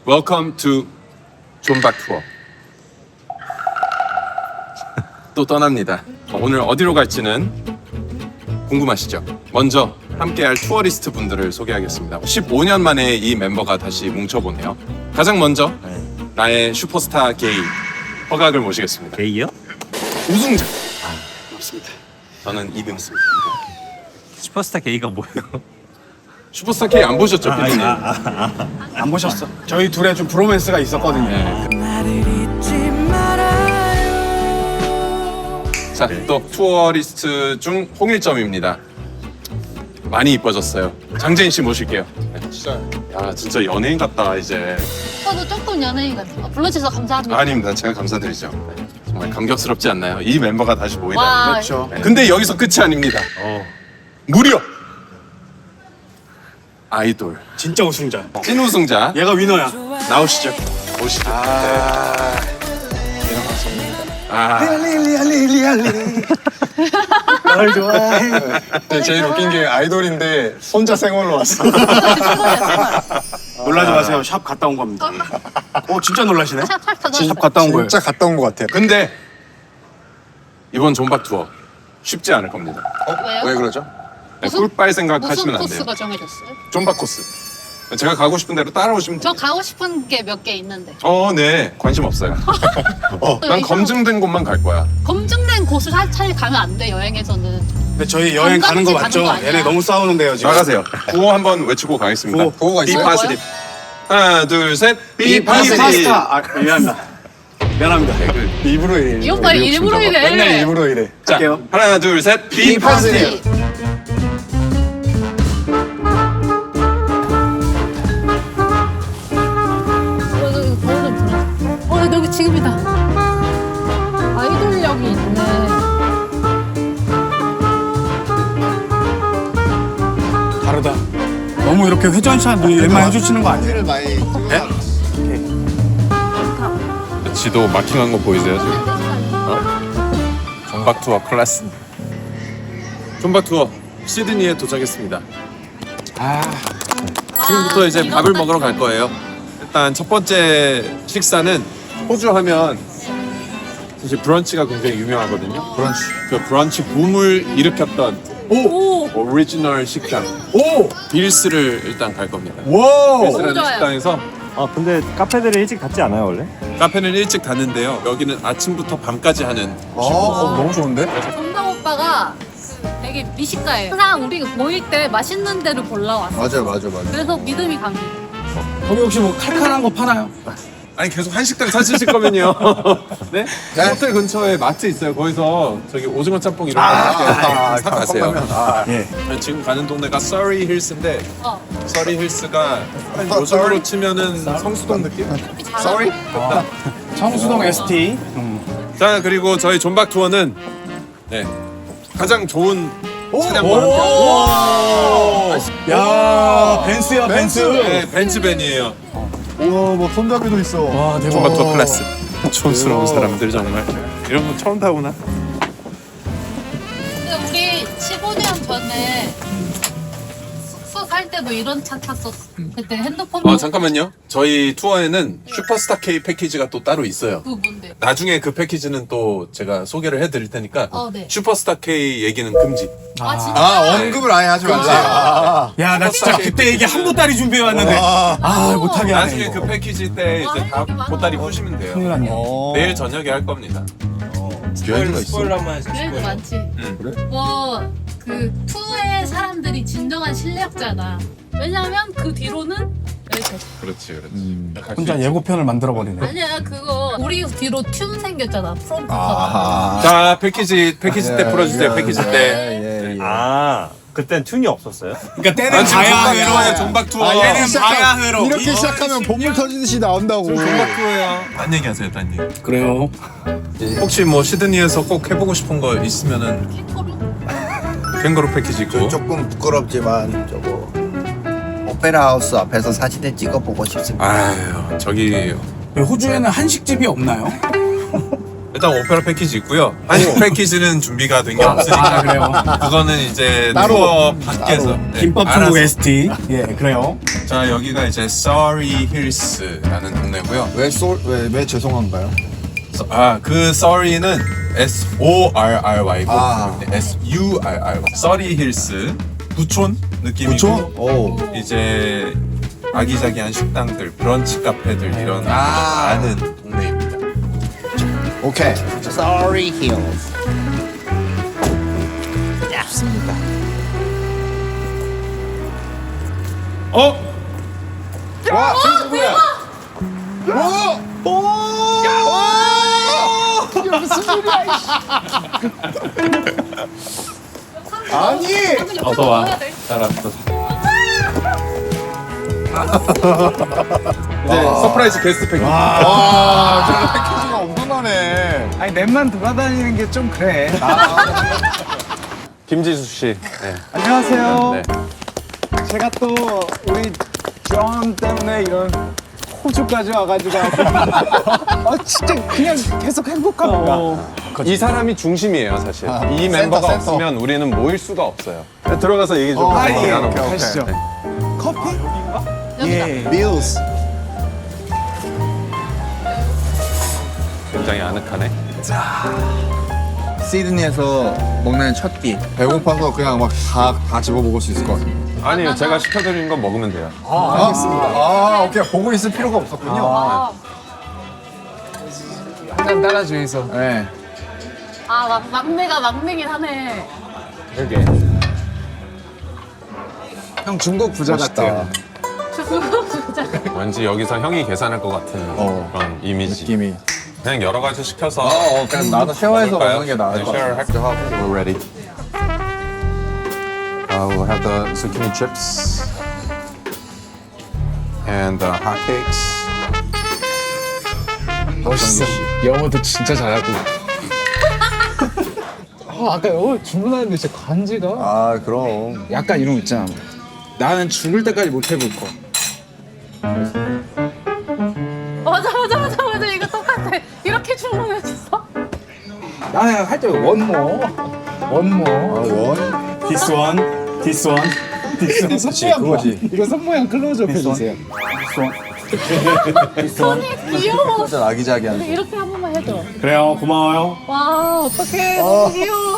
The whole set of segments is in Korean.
Welcome to 존박 투어. 또 떠납니다. 오늘 어디로 갈지는 궁금하시죠? 먼저 함께할 투어리스트 분들을 소개하겠습니다. 15년 만에 이 멤버가 다시 뭉쳐보네요. 가장 먼저 나의 슈퍼스타 게이 허각을 모시겠습니다. 게이요? 우승자. 맞습니다. 저는 2등. 슈퍼스타 게이가 뭐예요? 슈퍼스타 K 안 보셨죠, 피디님? 안 보셨어? 저희 둘의 좀 브로맨스가 있었거든요. 자, 또 투어리스트 중 홍일점입니다. 많이 이뻐졌어요. 장재인 씨 모실게요. 야, 진짜 연예인 같다 이제. 저도 조금 연예인 같아요. 불러주셔서 감사합니다. 아닙니다. 제가 감사드리죠. 네, 정말 감격스럽지 않나요? 이 멤버가 다시 모이다. 와, 그렇죠. 근데 여기서 끝이 아닙니다. 무려 아이돌 진짜 우승자. 찐 우승자 얘가 위너야. 나오시죠. 오시죠. 널 좋아해. 제일 웃긴 게 아이돌인데 혼자 생얼로 왔어. 놀라지 마세요. 샵 갔다 온 겁니다. 진짜 놀라시네. 샵 샵 갔다 온 거예요. 진짜 갔다 온 것 같아요. 근데 이번 존박 투어 쉽지 않을 겁니다. 왜요? 왜 그러죠? 네, 무슨- 꿀빨 생각하시면 무슨 안 돼요. 코스가 정해졌어요? 존박 코스. 제가 가고 싶은 대로 따라오시면 저 돼요. 가고 싶은 게 몇 개 있는데. 네. 관심 없어요. 난 검증된 곳만 갈 거야. 검증된 곳을 사실 가면 안 돼, 여행에서는. 근데 저희 여행 가는 거 관광지 맞죠? 가는 거 아니야? 얘네 너무 싸우는데요 지금. 나가세요. 구호 한번 외치고 가겠습니다. 구호. 구호가 있어요? 비파스립. 하나, 둘, 셋. 비파스립. 파스타. 미안합니다. 미안합니다. 일부러 이래. 이 오빠 일부러 이래. 맨날 일부러 이래. 자, 할게요. 하나, 둘, 셋. 비파스립. 여기 지금이다. 아이돌력이 있네. 다르다. 너무 이렇게 회전샷 얘만 해주시는 거 아니에요? 를 많이 지도 마킹한 거 보이세요 지금? 존박 투어 클래스. 존박 투어 시드니에 도착했습니다. 지금부터 이제 밥을 먹으러 갈 거예요. 일단 첫 번째 식사는 호주 하면 사실 브런치가 굉장히 유명하거든요. 브런치. 그 브런치 붐을 일으켰던 오리지널 식당 빌스를 일단 갈 겁니다. 와. 빌스라는 좋아요. 식당에서 근데 카페들이 일찍 닫지 않아요 원래? 카페는 일찍 닫는데요. 여기는 아침부터 밤까지 하는 너무 좋은데? 정당 오빠가 되게 미식가예요. 항상 우리 모일 때 맛있는 데를 골라 왔어. 맞아. 그래서 믿음이 갑니다. 거기 혹시 뭐 칼칼한 거 파나요? 아니 계속 한식당 찾으실 거면요. 네? 호텔 근처에 마트 있어요. 거기서 저기 오징어 짬뽕 이런 거 사 가세요. 예. 지금 가는 동네가 서리 힐스인데 어. 서리 힐스가 한 요즘으로 치면은 성수동 느낌? Sorry? 청수동 ST. 자 그리고 저희 존박 투어는 네 가장 좋은 차량과 함께 야 벤츠야 벤츠. 네, 벤츠벤이에요. 우와, 뭐 손잡이도 있어. 와 대박. 존박 투어 클래스. 촌스러운 사람들 정말 이런 거 처음 타보나? 근데 우리 15년 전에 숙소 살 때도 이런 차 탔었어. 그때 핸드폰 잠깐만요. 저희 투어에는 슈퍼스타 K 패키지가 또 따로 있어요. 그 뭔데? 나중에 그 패키지는 또 제가 소개를 해드릴 테니까 네. 슈퍼스타 K 얘기는 금지. 아 진짜? 언급을 아예 하지 말자. 야 나 진짜 그때 얘기 한 보따리 준비해 왔는데 못하게 하네. 나중에 그 패키지 때 이제 다 보따리 푸시면 돼요. 큰일 났네. 내일 저녁에 할 겁니다. 여행가 있어. 여행도 많지. 그래? 뭐 그 투의 사람들이 진정한 실력자다. 왜냐면 그 뒤로는 여기까지. 그렇지. 혼자 예고편을 만들어 버리네. 아니야 그거 우리 뒤로 튠 생겼잖아. 프롬프터가. 자 패키지 때 풀어주세요. 패키지 때. 그땐 튠이 없었어요? 그러니까 때는 난 지금 가야 존박 투어야. 회로. 존박 투어. 때는 가야 회로. 이렇게 시작하면 보물 터지듯이 나온다고. 존박 투어야. 딴 얘기하세요. 딴 얘기. 그래요. 혹시 뭐 시드니에서 꼭 해보고 싶은 거 있으면은 캥거루? 캥거루 패키지 있고. 조금 부끄럽지만 저거 오페라 하우스 앞에서 사진을 찍어보고 싶습니다. 아유 저기 호주에는 한식집이 없나요? 일단 오페라 패키지 있고요. 한식 패키지는 준비가 된 게 없으니까 그래요. 그거는 이제 따로, 투어 밖에서 네, 김밥 알아서. 천국 ST. 예, 그래요. 자 여기가 이제 Surrey Hills라는 동네고요. 왜 죄송한가요? 그 Surrey는 S-O-R-R-Y고 아. S-U-R-R-Y. Surrey Hills 부촌 느낌이고 오. 이제 아기자기한 식당들, 브런치 카페들 이런 많은 동네입니다. 오케이. Sorry Hills. 와, 저기 누구야? 아니! 어서 와. 이제 서프라이즈 게스트 패키지. 와, 저기 패키지가 엄청나네. 아니 랩만 돌아다니는 게 좀 그래. 김지수 씨. 네. 안녕하세요. 네. 제가 또 우리 존 때문에 이런 호주까지 와가지고 진짜 그냥 계속 행복합니다. 이 사람이 중심이에요, 사실. 이 센터, 멤버가 센터. 없으면 우리는 모일 수가 없어요. 들어가서 얘기 좀 아, 예. 나눠볼게요. 가시죠. 네. 커피? 여기다. 예. 밀스. 굉장히 아늑하네. 시드니에서 먹는 첫 끼. 배고파서 그냥 막 다 집어 먹을 수 있을 것 같아요. 아니요, 제가 시켜드린 건 먹으면 돼요. 알겠습니다. 아, 오케이. 보고 있을 필요가 없었군요. 한잔 따라주이소. 네. 막내가 막내긴 하네. 그러게. 형 중국 부자 같아요. 진짜. 왠지 여기서 형이 계산할 것 같은 그런 이미지. 느낌이. 그냥 여러 가지 시켜서 그냥 나도 쉐어해서 먹을까요? 먹는 게 나을 네, 것 share 같아. 할게요. We're ready. We'll have the zucchini chips and the hot cakes. 멋있어. 영어도 진짜 잘하고. 아까 영어 주문하는데 진짜 간지가 아 그럼. 약간 이런 거 있잖아. 나는 죽을 때까지 못 해볼 거. 맞아. 이거 똑같아. 이렇게 주문해줬어? 나는 할 때 원모. 원? This one, this one, this one. 그치, 그거지. 이거 손모양 클로즈업 해주세요. This one. 귀여워. 진짜 아기자기한. 이렇게 한 번만 해줘. 그래요, 고마워요. 와, 어떡해. 너무 귀여워.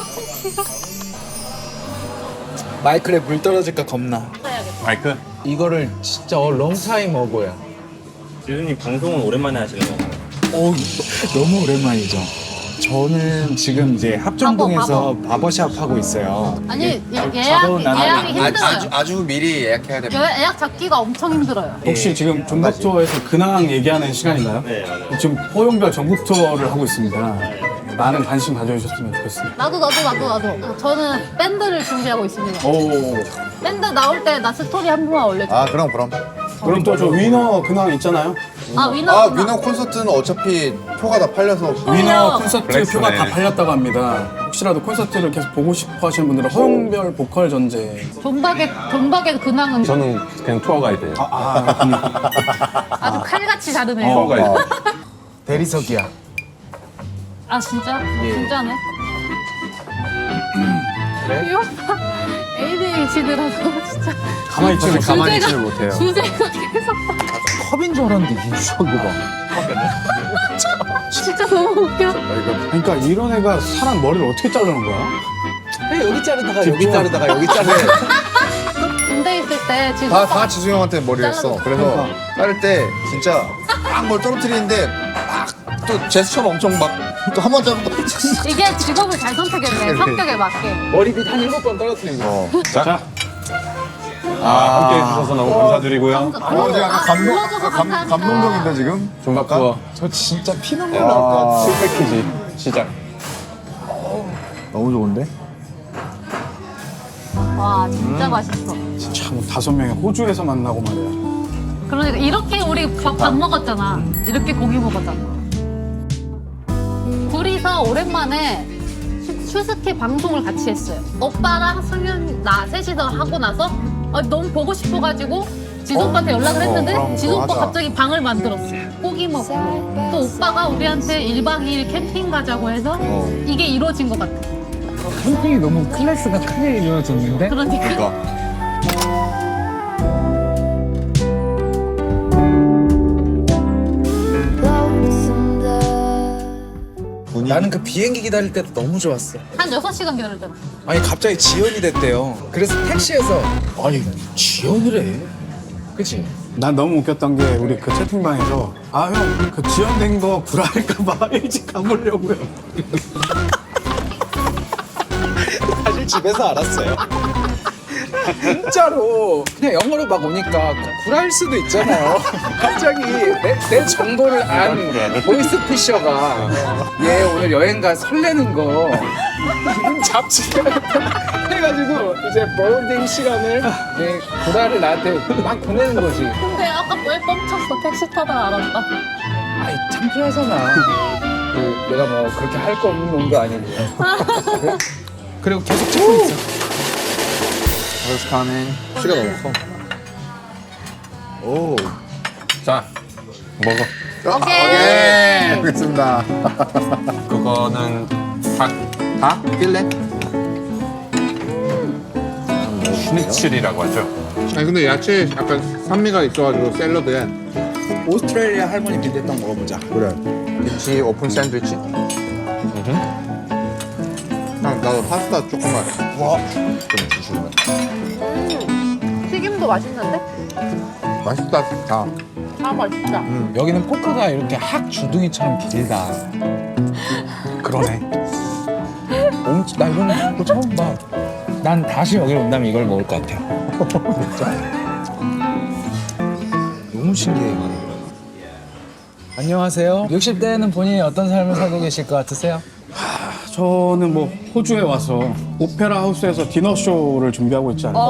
마이크에 물 떨어질까 겁나. 마이크? 이거를 진짜 롱타임 먹어야. 지수님 방송은 오랜만에 하시는 건가요? 너무 오랜만이죠. 저는 지금 이제 합정동에서 바버샵 하고 있어요. 아니, 예약이 아주, 힘들어요. 아주 미리 예약해야 됩니다. 예약 잡기가 엄청 힘들어요. 혹시 지금 전국 투어에서 근황 얘기하는 시간인가요? 네, 맞아요. 지금 포용별 전국 투어를 하고 있습니다. 많은 관심 가져주셨으면 좋겠습니다. 나도. 저는 밴드를 준비하고 있습니다. 오, 밴드 나올 때 나 스토리 한 번만 올려줘. 아, 그럼. 그럼 또 저 위너 근황 있잖아요. 위너. 아, 위너 콘서트는 어차피 표가 다 팔려서. 위너 콘서트 블랙스네. 표가 다 팔렸다고 합니다. 혹시라도 콘서트를 계속 보고 싶어 하시는 분들은 허용별 보컬 전제. 존박의 근황은 저는 그냥 투어 가이드예요. 아주 칼같이 다르네요. 투어 가이드. 대리석이야. 아 진짜? 진짜네. 이 오빠 ADHD라서 진짜 가만히 있지 못해. 가만히 있지를 못해요. 주제가 계속 컵인 줄 알았는데 이거 봐. 진짜 너무 웃겨. 그러니까 이런 애가 사람 머리를 어떻게 자르는 거야? 여기 자르다가 여기 자르다가 여기 자르. 군대 있을 때 지금 다 지수 형한테 머리를 했어. 그래서 자를 때 진짜 막 뭘 떨어뜨리는데 막 또 제스처는 엄청 막 또 한 번 자르고 이게 직업을 잘 선택했네. 성격에 맞게. 머리빗 한 7번 떨어뜨린 거. 자. 함께 해주셔서 너무 감사드리고요. 지금 약간 감동적인데, 지금? 종각 투어 저 진짜 피눈물 날 것 같아. 술 패키지 시작. 너무 좋은데? 와 진짜 맛있어. 진짜 뭐 5명이 호주에서 만나고 말이야. 그러니까 이렇게 우리 밥 먹었잖아. 이렇게 고기 먹었잖아. 둘이서 오랜만에 슈스케 방송을 같이 했어요. 오빠랑 승윤 나 셋이서 하고 나서 너무 보고 싶어가지고 지수 오빠한테 연락을 했는데 그럼 지수 오빠 하자. 갑자기 방을 만들었어. 고기 먹고 또 오빠가 우리한테 1박 2일 캠핑 가자고 해서 이게 이루어진 것 같아. 캠핑이 너무 클래스가 크게 이루어졌는데? 그러니까. 나는 그 비행기 기다릴 때도 너무 좋았어. 한 6시간 기다렸잖아. 아니 갑자기 지연이 됐대요. 그래서 택시에서 아니 지연이래. 그치? 난 너무 웃겼던 게 우리 그 채팅방에서 아 형 그 지연된 거 불화할까봐 일찍 가보려고요. 사실 집에서 알았어요. 진짜로 그냥 영어로 막 오니까 구라일 수도 있잖아요. 갑자기 내 정보를 안 보이스피셔가 얘 오늘 여행 가 설레는 거 기분 잡지가 해가지고 이제 보딩 시간을 이제 구라를 나한테 막 보내는 거지. 근데 아까 왜 뻥쳤어? 택시 타다가 알았다. 아이 창피하잖아. 내가 뭐 그렇게 할 거 없는 놈도 아니고. 그리고 계속 찍고 있어. What's coming? 시간 너무 커. 오. 자, 먹어. 오케이. 알겠습니다. 그거는 닭 다? 필레? 슈니첼이라고 하죠. 아니 근데 야채에 약간 산미가 있어가지고 샐러드에 오스트레일리아 할머니 빈대떡 먹어보자. 그래. 김치 오픈 샌드위치? 형 나도 파스타 조금만. 와. 좀 주시면. 튀김도 맛있는데? 맛있다. 다. 아 맛있다. 여기는 포크가 이렇게 학 주둥이처럼 길다. 그러네. 나 이런 거 처음 봐. 난 다시 여기 온다면 이걸 먹을 것 같아. 너무 신기해 이거. 안녕하세요. 60대에는 본인이 어떤 삶을 살고 계실 것 같으세요? 저는 뭐 호주에 와서 오페라 하우스에서 디너 쇼를 준비하고 있지 않아요?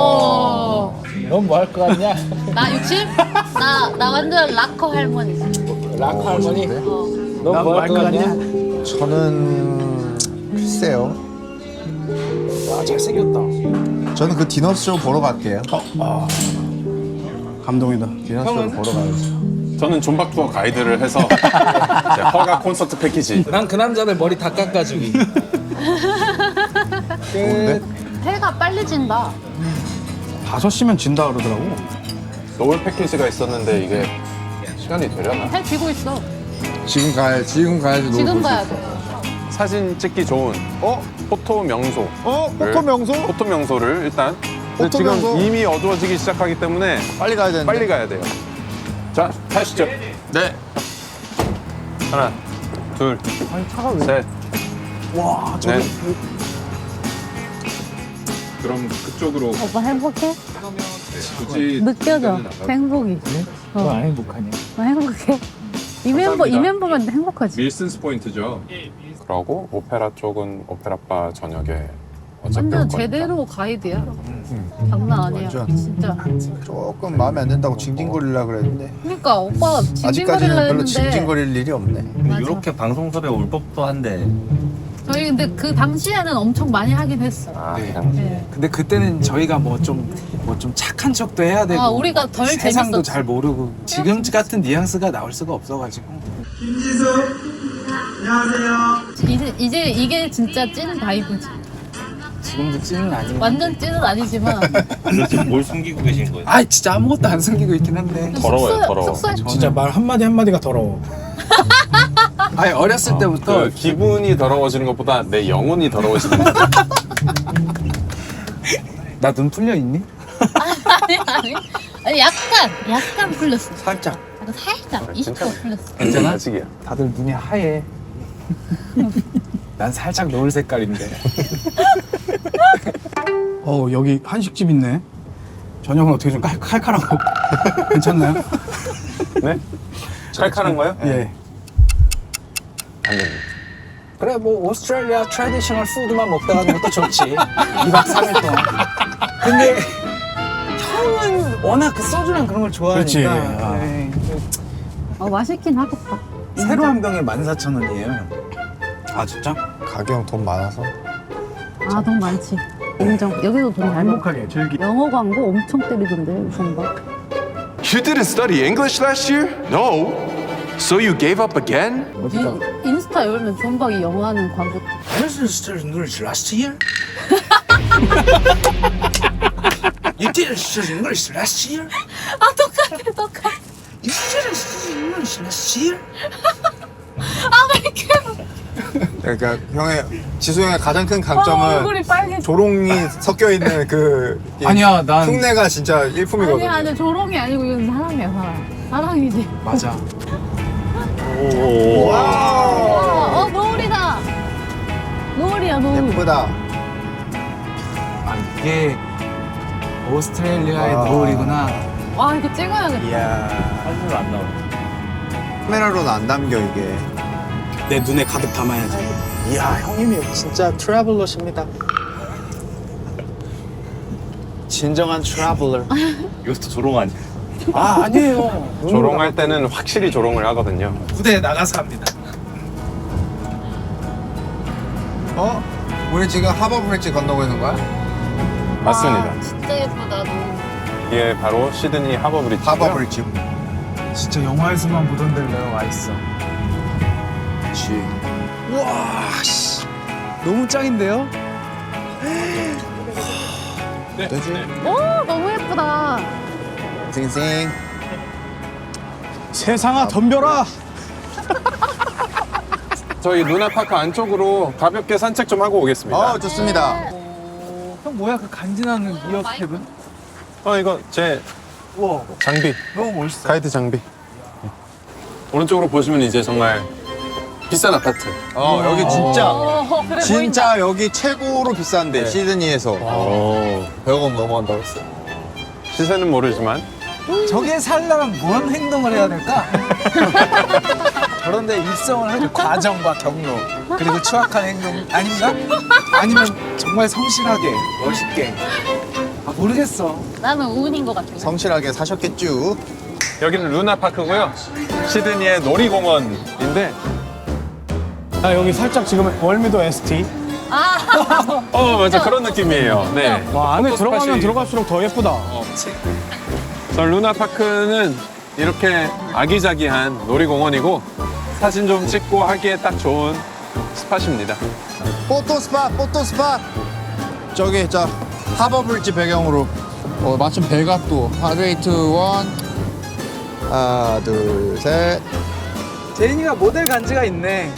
넌 뭐 할 것 같냐? 나 60? 나 완전 락커 할머니. 락 할머니? 난 넌 뭐 뭐 할 것 같냐? 저는 글쎄요. 와 잘생겼다. 저는 그 디너쇼 보러 갈게요. 감동이다. 디너쇼를 보러 가야죠. 저는 존박 투어 가이드를 해서 이제 허가 콘서트 패키지. 난 그 남자들 머리 다 깎아주기. 해가 빨리 진다. 5시면 진다 그러더라고. 노을 패키지가 있었는데 이게 시간이 되려나? 해 지고 있어. 지금 가야지. 지금 가야 돼. 사진 찍기 좋은 포토 명소. 포토 명소? 포토 명소를 일단. 근데 포토 지금 명소? 이미 어두워지기 시작하기 때문에 빨리 가야 되는데. 빨리 가야 돼요. 자, 가시죠. 네. 하나, 둘, 셋. 와, 저기 넷. 그럼 그쪽으로 오빠 행복해? 굳이 느껴져. 행복이. 너 안 행복하냐? 나 행복해. 이 멤버면 행복하지. 밀슨스 포인트죠. 그러고 오페라 쪽은 오페라바 저녁에 어차피 올 완전 거니까. 제대로 가이드야. 장난 아니야. 완전. 진짜. 조금 마음에 안 든다고 징징거리려고 그랬는데 그러니까 오빠 징징거리려 아직까지는 별로 했는데 징징거릴 일이 없네. 맞아. 이렇게 방송섭외 올 법도 한데. 저희 근데 그 당시에는 엄청 많이 하긴 했어. 네. 근데 그때는 저희가 뭐 좀 착한 척도 해야 되고 우리가 덜 세상도 재밌었지. 잘 모르고 지금 같은 뉘앙스가 나올 수가 없어가지고. 이제 이게 진짜 찐 바이브지. 지금도 찐은 아니고. 완전 찐은 아니지만 지금 뭘 숨기고 계신 거예요? 아 진짜 아무것도 안 숨기고 있긴 한데. 더러워요, 더러워. 숙소에 진짜 말 한마디 한마디가 더러워. 아니 어렸을 때부터 그 기분이 더러워지는 것보다 내 영혼이 더러워지는 거. 나 눈 풀려 있니? 아니 약간 풀렸어. 살짝. 약간 살짝 진짜? 20% 풀렸어. 괜찮아? 아직이야. 다들 눈이 하얘. 난 살짝 노을 색깔인데. 여기 한식집 있네. 저녁은 어떻게 좀 칼칼하고 괜찮나요? 네? 칼칼한 거요? 예. 안 됩니다. 그래 뭐 오스트레일리아 트래디셔널 푸드만 먹다 가는 것도 좋지. 2박 3일 동안. 근데 형은 워낙 그 소주랑 그런 걸 그렇지. 좋아하니까. 아. 에이, 맛있긴 하겠다. 새로 한 병에 14,000원이에요. 아 진짜? 가격 돈 많아서. 아 돈 많지. 인정. 여기도 돈 잘 먹. 행복하게 즐기. 영어 광고 엄청 때리던데 우선 봐. You didn't study English last year? No. So you gave up again? 인스타 열면 존박이 영어 하는 광고. You didn't study English last year? You didn't study English last year? 아 똑같아. You didn't study English last year? 아왜 이렇게 그러니까 지수 형의 가장 큰 강점은 얼굴이 빨개져. 조롱이 섞여 있는 그 아니야, 난 흉내가 진짜 일품이거든. 아니 조롱이 아니고 이건 사랑이야 사랑. 사랑이지. 맞아. 노을이다. 노을이야 노을. 예쁘다. 이게 오스트레일리아의 와. 노을이구나. 와 이거 찍어야겠다. 이야. 사진으로 안 나와. 카메라로는 안 담겨 이게. 내 눈에 가득 담아야지. 이야, 형님이 진짜 트래블러십니다. 진정한 트래블러. 이것도 조롱 아니야? 아, 아니에요. 조롱할 때는 확실히 조롱을 하거든요. 무대에 나가서 합니다. 우리 지금 하버 브릿지 건너고 있는 거야? 맞습니다. 와, 진짜 예쁘다 노을. 이게 바로 시드니 하버 브릿지. 하버 브릿지. 진짜 영화에서만 보던 데로 내가 와 있어. 그렇지. 우와, 씨. 너무 짱인데요? 네. 되지? 오 너무 예쁘다. 싱싱. 세상아, 덤벼라! 저희 루나파크 안쪽으로 가볍게 산책 좀 하고 오겠습니다. 좋습니다. 형, 뭐야, 그 간지나는 이어캡은? 이거 제 우와, 장비, 너무 멋있어. 가이드 장비. 오른쪽으로 보시면 이제 정말 비싼 아파트. 여기 진짜 그래 진짜 여기 최고로 비싼데 시드니에서 100억 넘어간다고 했어. 시세는 모르지만 저게 살려면 뭔 행동을 해야 될까? 저런데 입성을 하는 과정과 경로 그리고 추악한 행동 아닌가? 아니면 정말 성실하게 멋있게 모르겠어. 나는 운인 것 같아. 성실하게 사셨겠죠. 여기는 루나파크고요. 시드니의 놀이공원인데 여기 살짝 지금 월미도 ST. 맞아 그런 느낌이에요. 네. 와, 안에 포토스팟이- 들어가면 들어갈수록 더 예쁘다. 저 루나파크는 이렇게 아기자기한 놀이공원이고 사진 좀 찍고 하기에 딱 좋은 스팟입니다. 포토 스팟. 저기 하버 브릿지 배경으로 마침 배각도 하드레이트 원. 하나 둘 셋. 제인이가 모델 간지가 있네.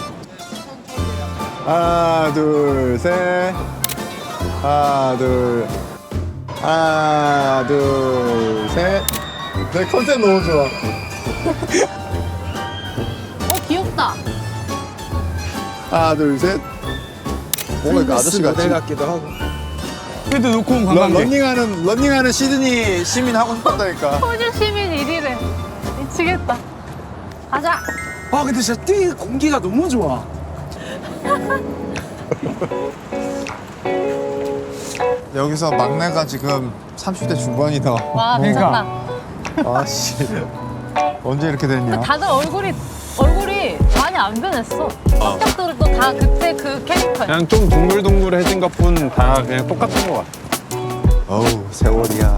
하나 둘 셋. 하나 둘 셋. 내 컨셉 너무 좋아. 귀엽다. 하나 둘 셋. 뭔가 그 아저씨 같이. 모델 같기도 하고. 그래도 놓고 온 관광객. 런닝하는 시드니 시민 하고 싶었다니까. 호주 시민 1위래. 미치겠다. 가자. 근데 진짜 뛰 공기가 너무 좋아. 여기서 막내가 지금 30대 중반이다. 와 미쳤다. 아씨. 언제 이렇게 됐냐? 다들 얼굴이 많이 안 변했어. 성격들도 다 그때 그 캐릭터야. 그냥 좀 동글동글해진 것뿐 다 그냥 똑같은 것 같아. 어우 세월이야.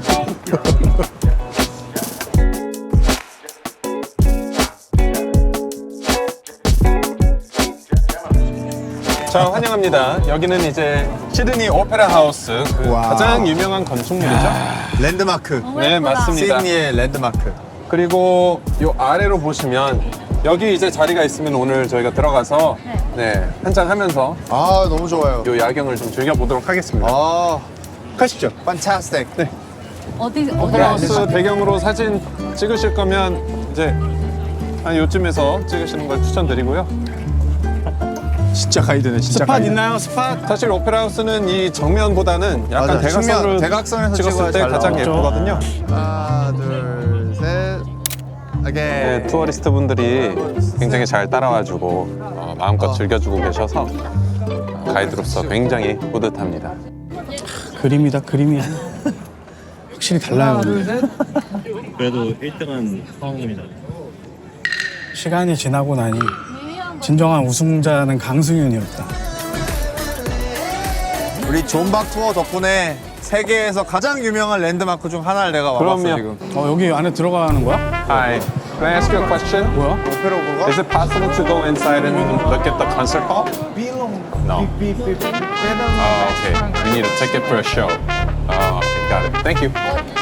자 환영합니다. 여기는 이제 시드니 오페라 하우스 그 와. 가장 유명한 건축물이죠. 랜드마크. 너무 네 예쁘다. 맞습니다. 시드니의 랜드마크. 그리고 요 아래로 보시면 여기 이제 자리가 있으면 오늘 저희가 들어가서 네 한잔 하면서 아 너무 좋아요. 요 야경을 좀 즐겨보도록 하겠습니다. 아 가시죠. 판타스틱. 네. 어디 오페라 하우스 배경으로 사진 찍으실 거면 이제 한 요쯤에서 찍으시는 걸 추천드리고요. 진짜 가이드네. 진짜 스팟 가이드. 있나요? 스팟? 사실 오페라 하우스는 이 정면보다는 약간 맞아, 대각선으로 대각선에서 찍었을 찍어야 때 잘 가장 나오죠. 예쁘거든요. 하나 둘 셋. 오케이. 네, 투어리스트 분들이 굉장히 잘 따라와주고 마음껏 즐겨주고 계셔서 가이드로서 굉장히 뿌듯합니다. 그림이다, 그림이야. 확실히 달라요. 그래도 1등은 성입니다. 시간이 지나고 나니 진정한 우승자는 강승윤이었다. 우리 존박 투어 덕분에 세계에서 가장 유명한 랜드마크 중 하나를 내가 와봤어 그럼요. 지금. 여기 안에 들어가는 거야? Hi. Can I ask you a question? 뭐야? 오페라 보고 Is it possible to go inside and look at the concert hall? No. Oh, okay. We need a ticket for a show. Oh, okay, got it. Thank you.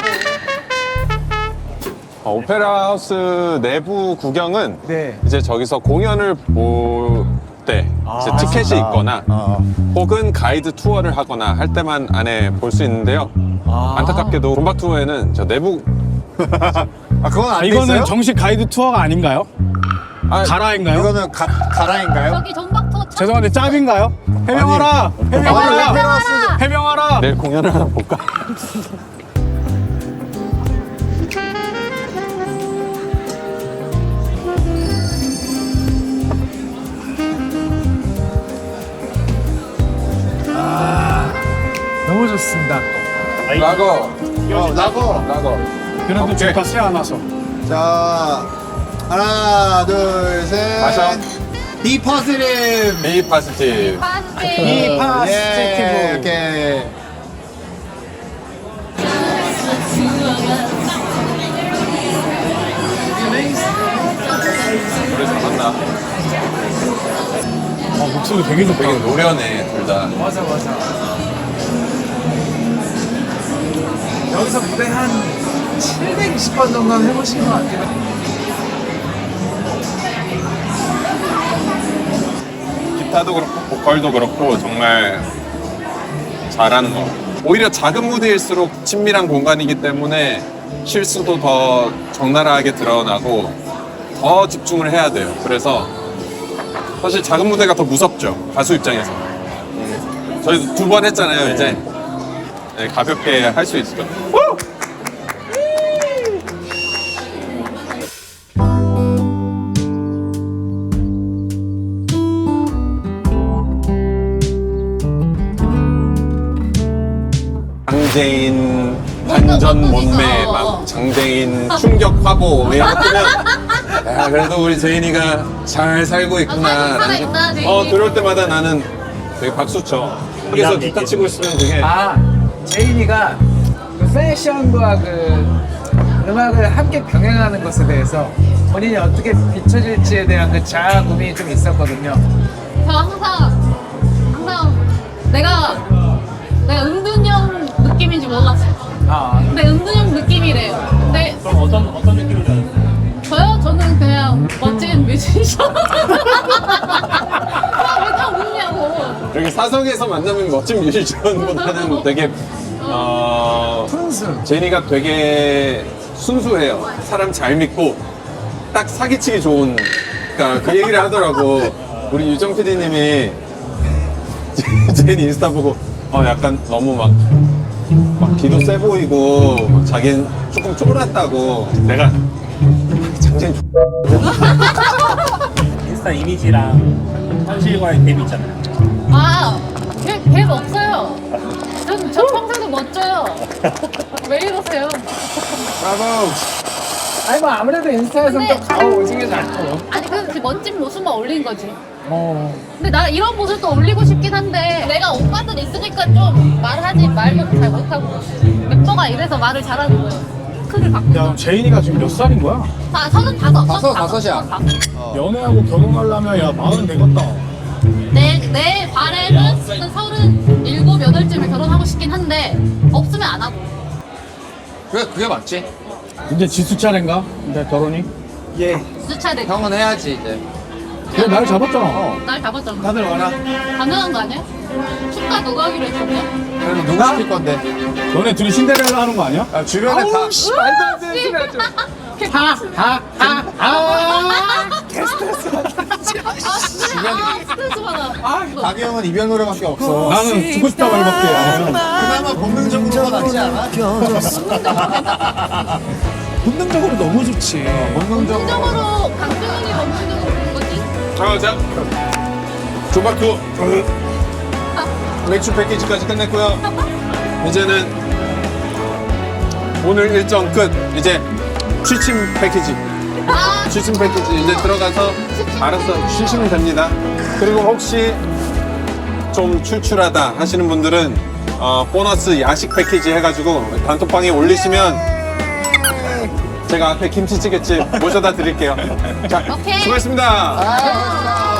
오페라 하우스 내부 구경은 네. 이제 저기서 공연을 볼 때 이제 티켓이 있거나 혹은 가이드 투어를 하거나 할 때만 안에 볼 수 있는데요. 안타깝게도 본박 투어에는 저 내부 아 그건 안 돼 이거는 있어요? 정식 가이드 투어가 아닌가요? 가라인가요? 이거는 가라인가요? 저기 전박터 죄송한데 짭인가요? 해명하라! 해명하라! 해명하라! 내일 공연을 하나 볼까? 너무 좋습니다. 라거. 라고. 그래도 좋다 새 안 와서. 자 하나 둘셋 마셔. 비 포지티브. 비 파스티브. 파스티. 예, 오케이. 노래 잘한다. 목소리 되게 좋다. 되게 노련해 둘 다. 맞아. 여기서 무대 한 720번 정도는 해보신 것 같아요. 기타도 그렇고 보컬도 그렇고 정말 잘하는 거. 오히려 작은 무대일수록 친밀한 공간이기 때문에 실수도 더 적나라하게 드러나고 더 집중을 해야 돼요. 그래서 사실 작은 무대가 더 무섭죠. 가수 입장에서. 저희도 2번 했잖아요. 이제 네, 가볍게 할 수 있을 것 같아요. 장재인 반전 몸매 막 장재인 충격 화보 이런 거 뜨면 야 그래도 우리 재인이가 잘 살고 있구나. 잘 살아있다, 재인이. 들어올 때마다 나는 되게 박수 쳐. 여기서 기타 치고 있으면 되게 제인이가 그 패션과 그 음악을 함께 병행하는 것에 대해서 본인이 어떻게 비춰질지에 대한 그 자아 고민이 좀 있었거든요. 저 항상 내가 은둔형 느낌인지 몰랐어. 근데 은둔형 느낌이래요. 근데 그럼 어떤 느낌인지 알아요? 저요? 저는 그냥 멋진 뮤지션. 왜 다 웃냐고. 여기 사석에서 만나면 멋진 뮤지션보다는 되게 푼수. 제니가 되게 순수해요. 사람 잘 믿고 딱 사기치기 좋은. 그러니까 그 얘기를 하더라고. 우리 유정 PD님이 제니 인스타 보고 약간 너무 막 기도 세 보이고 막 자기는 조금 쫄았다고. 내가 장진 인스타 이미지랑 현실과의 갭이 있잖아요. 갭 없어요. 저 평소에도 멋져요. 왜 이러세요? 아니 뭐 아무래도 인스타에서는 근데- 또 가오 오징어 잘 아니 그 멋진 모습만 올린 거지. 근데 나 이런 모습도 올리고 싶긴 한데 내가 오빠들 있으니까 좀 말하지 말도 잘 못하고 멤버가 이래서 말을 잘하는 거예요. 크를 바꾸고. 야, 제인이가 지금 몇 살인 거야? 35이야. 연애하고 결혼하려면 야, 40 되겠다. 내 바램은 한 37, 8쯤에 결혼하고 싶긴 한데 없으면 안 하고. 그게 맞지. 이제 지수 차례인가? 이제 결혼이? 예. 수차례 형은 해야지 이제. 그래, 날 잡았잖아. 날 잡았잖아. 다들 와라. 가능한 거 아니야? 축가 누가 하기로 했었냐? 그래도 누가 시킬 건데? 너네 둘이 신데렐라 하는 거 아니야? 주변에 다. 말도 안 되는 소리 하죠. 스트레스 받아. 박이 형은 이별 노래밖에 없어. 나는 죽고 싶다 말밖에 안 해. 그나마 본능적으로가 낫지 않아? 본능적으로 너무 좋지. 긍정으로 강재훈이 멈추는 거지? 자 조박투 맥주 패키지까지 끝냈고요. 이제는 오늘 일정 끝. 이제 취침 패키지. 취침 패키지 이제 들어가서 알아서 쉬시면 됩니다. 그리고 혹시 좀 출출하다 하시는 분들은 보너스 야식 패키지 해가지고 단톡방에 올리시면 제가 앞에 김치찌개집 모셔다 드릴게요. 자, 오케이. 수고했습니다.